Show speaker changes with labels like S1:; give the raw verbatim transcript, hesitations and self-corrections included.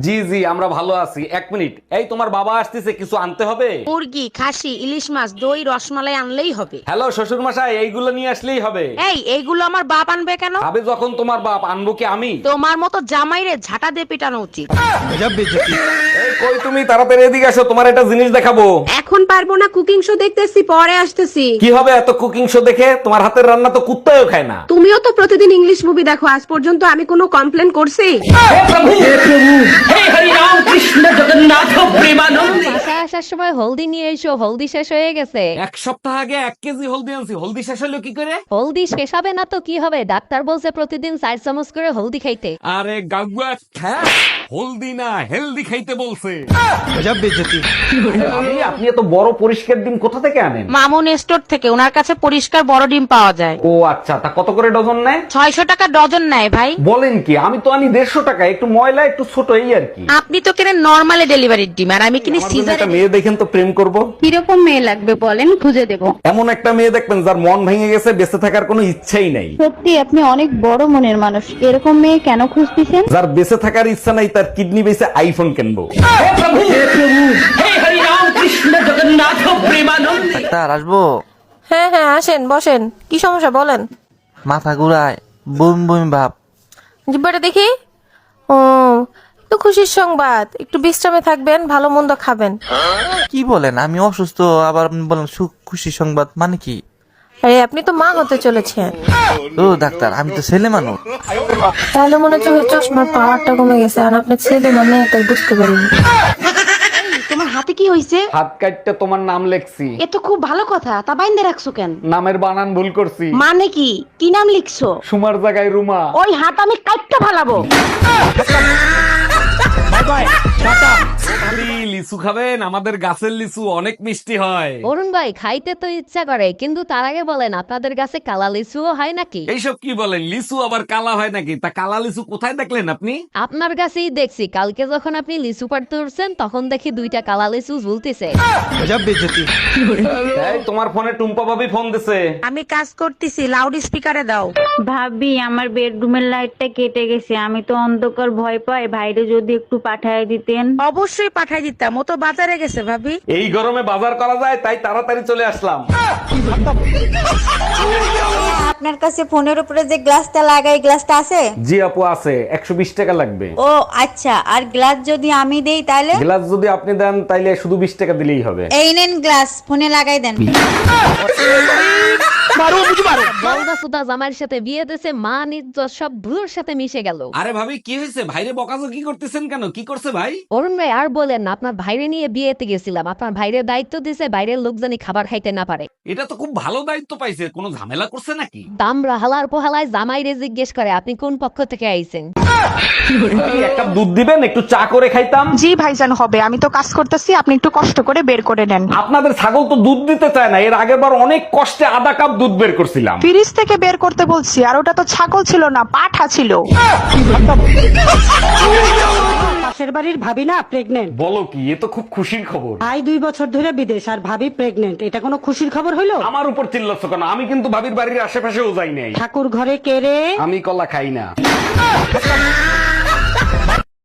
S1: জি জি আমরা ভালো আছি। এক মিনিট, এই তোমার বাবা আসতেছে, কিছু আনতে হবে?
S2: মুরগি, খাসি, ইলিশ মাছ, দই, রসমালাই আনলেই হবে।
S1: হ্যালো শ্বশুর মশাই, এইগুলো নিয়ে আসলেই হবে।
S2: এই এইগুলো আমার বাপ আনবে কেন?
S1: আবে যখন তোমার বাপ, আনবো কি আমি?
S2: তোমার মতো জামাইরে ঝাঁটা দিয়ে পিটানো উচিত।
S1: এই কই তুমি, তাড়াতাড়ি এদিকে আসো, তোমার একটা জিনিস দেখাবো।
S2: এখন পারবো না, কুকিং শো দেখতেছি, পরে আসতেছি।
S1: কি হবে এত কুকিং শো দেখে? তোমার হাতের রান্না তো কুত্তাও খায় না।
S2: তুমিও তো প্রতিদিন ইংলিশ মুভি দেখো, আজ পর্যন্ত আমি কোনো কমপ্লেন করছি?
S3: বাসায় আসার সময় হলদি নিয়ে এসো, হলদি শেষ হয়ে গেছে।
S1: এক সপ্তাহ আগে এক কেজি হলদি আনছি, হলদি শেষ হলো কি করে?
S3: হলদি শেষ হবে না তো কি হবে? ডাক্তার বলছে প্রতিদিন চার চামচ করে হলদি খাইতে।
S1: আরে গাগুয়া খ্যা, হলদি না হেলদি খাইতে বলছে। আমি, আপনি এত বড় পরিষ্কার ডিম কোথা থেকে আনেন?
S2: মামুন স্টোর থেকে, ওনার কাছে পরিষ্কার বড় ডিম পাওয়া যায়।
S1: ও আচ্ছা, তা কত করে ডজন নেয়?
S2: ছয়শো টাকা ডজন নেয় ভাই।
S1: বলেন কি? আমি তো আনি দেড়শো টাকা, একটু ময়লা একটু ছোট, এই আর কি।
S2: আপনি তো কেনেন নরমালি ডেলিভারির ডিম, আর আমি কিনি
S1: আমার জন্য
S2: সিজার।
S1: একটা মেয়ে দেখেন তো, প্রেম করব।
S4: কিরকম মেয়ে লাগবে বলেন, খুঁজে দেব।
S1: এমন একটা মেয়ে দেখবেন যার মন ভেঙে গেছে, বেঁচে থাকার কোনো ইচ্ছাই নাই।
S4: সত্যি আপনি অনেক বড় মনের মানুষ, এরকম মেয়ে কেন খুঁজতেছেন?
S1: যার বেঁচে থাকার ইচ্ছা নাই, তার কিডনি বেঁচে আইফোন কিনবো।
S5: ডাক্তার আসবো?
S6: হ্যাঁ হ্যাঁ আসেন, বসেন। কি সমস্যা বলেন?
S5: মাথা ঘুরায়, বমি বমি ভাব।
S6: জিব্বাটা দেখি। ও, একটু খুশির সংবাদ, একটু বিশ্রামে থাকবেন, ভালো মন্দ খাবেন।
S5: কি বলেন? আমি অসুস্থ, আবার আপনি বলেন সুখ খুশি সংবাদ, মানে কি?
S6: আরে আপনি তো মা হতে চলেছেন।
S5: ও ডাক্তার, আমি তো ছেলে মানুষ।
S6: তাহলে মনে হচ্ছে ওই চশমার পাওয়ারটা কমে গেছে, আর আপনার ছেলে মানে তাই বুঝতে পারিনি।
S2: তোমার হাতে কি হইছে?
S1: হাত কাটতে তোমার নাম লেখছি।
S2: এ তো খুব ভালো কথা, তা বাইন্দে রাখছো কেন?
S1: নামের বানান ভুল করছি।
S2: মানে কি? কি নাম লিখছো?
S1: সুমার জায়গায় রুমা।
S2: ওই হাত আমি কাটতে ফালাবো।
S1: খালি লিচু খাবেন? আমাদের গাছের লিচু অনেক মিষ্টি হয়।
S3: অরুণ ভাই, খাইতে তো ইচ্ছা করে, কিন্তু তার আগে বলেন আপনাদের কাছে কালা লিচুও হয় নাকি?
S1: এইসব কি বলেন? লিচু আবার কালা হয় নাকি? তা কালা লিচু কোথায় দেখলেন আপনি?
S3: আপনার কাছেই দেখছি, কালকে যখন আপনি লিচু পাড়তে উঠছেন তখন দেখি দুইটা কালা লিচু ঝুলতেছে।
S1: এই, তোমার ফোনে টুম্পা ভাবি ফোন দিছে।
S2: আমি কাজ করতেছি, লাউড স্পিকারে দাও।
S4: ভাবি, আমার বেডরুমের লাইটটা কেটে গেছে, আমি তো অন্ধকার ভয় পাই, ভাইরে যদি একটু পাঠায় দিতেন।
S2: অবশ্যই পাঠাই দিতাম, ও তো বাজারে গেছে ভাবি।
S1: এই গরমে বাজার করা যায়, তাই তাড়াতাড়ি চলে আসলাম।
S7: আপনার কাছে ফোনের উপরে যে গ্লাসটা লাগাই, গ্লাসটা আছে?
S1: জি আপু আছে, একশো বিশ টাকা লাগবে।
S7: ও আচ্ছা, আর গ্লাস যদি আমি দেই তাহলে?
S1: গ্লাস যদি আপনি দেন তাইলে শুধু বিশ টাকা দিলেই হবে।
S7: এই নেন গ্লাস, ফোনে লাগাই দেন।
S3: বলদা সুদা জামাইয়ের সাথে বিয়ে দিয়েছে, মা নিজ সব ভুলোর সাথে মিশে গেল।
S1: আরে ভাবি কি হয়েছে? ভাইরে বকাজো কি করতেছেন কেন? কি করছে ভাই?
S3: অরুণ ভাই আর বলেন না, আপনার ভাইরে নিয়ে বিয়েতে গেছিলাম, আপনার ভাইরে দায়িত্ব দিছে বাইরের লোক জানি খাবার খাইতে না পারে।
S1: এটা তো খুব ভালো দায়িত্ব পাইছে, কোনো ঝামেলা করছে নাকি?
S3: দামরা হালার পোহালায় জামাইরে জিজ্ঞেস করে আপনি কোন পক্ষ থেকে আইছেন।
S1: এক কাপ দুধ দিবেন, একটু চা করে খাইতাম।
S8: জি ভাইজান হবে, আমি তো কাজ করতেছি, আপনি একটু কষ্ট করে বের করে নেন।
S1: আপনাদের ছাগল তো দুধ দিতে চায় না, এর আগের বার অনেক কষ্টে আধা কাপ দুধ বের করছিলাম।
S8: ফ্রিজ থেকে বের করতে বলছি, আর ওটা তো ছাগল ছিল না, পাঠা ছিল।
S9: পাশের বাড়ির ভাবি না প্রেগনেন্ট।
S1: বলো কি? এ তো খুব খুশির খবর।
S9: ভাই দুই বছর ধরে বিদেশ, আর ভাবি প্রেগনেন্ট, এটা কোনো খুশির খবর হইলো?
S1: আমার উপর চিল্লাচ্ছ কেন? আমি কিন্তু ভাবির বাড়ির আশেপাশেও যাই নাই।
S9: ঠাকুর ঘরে কে রে?
S1: আমি কলা খাই না।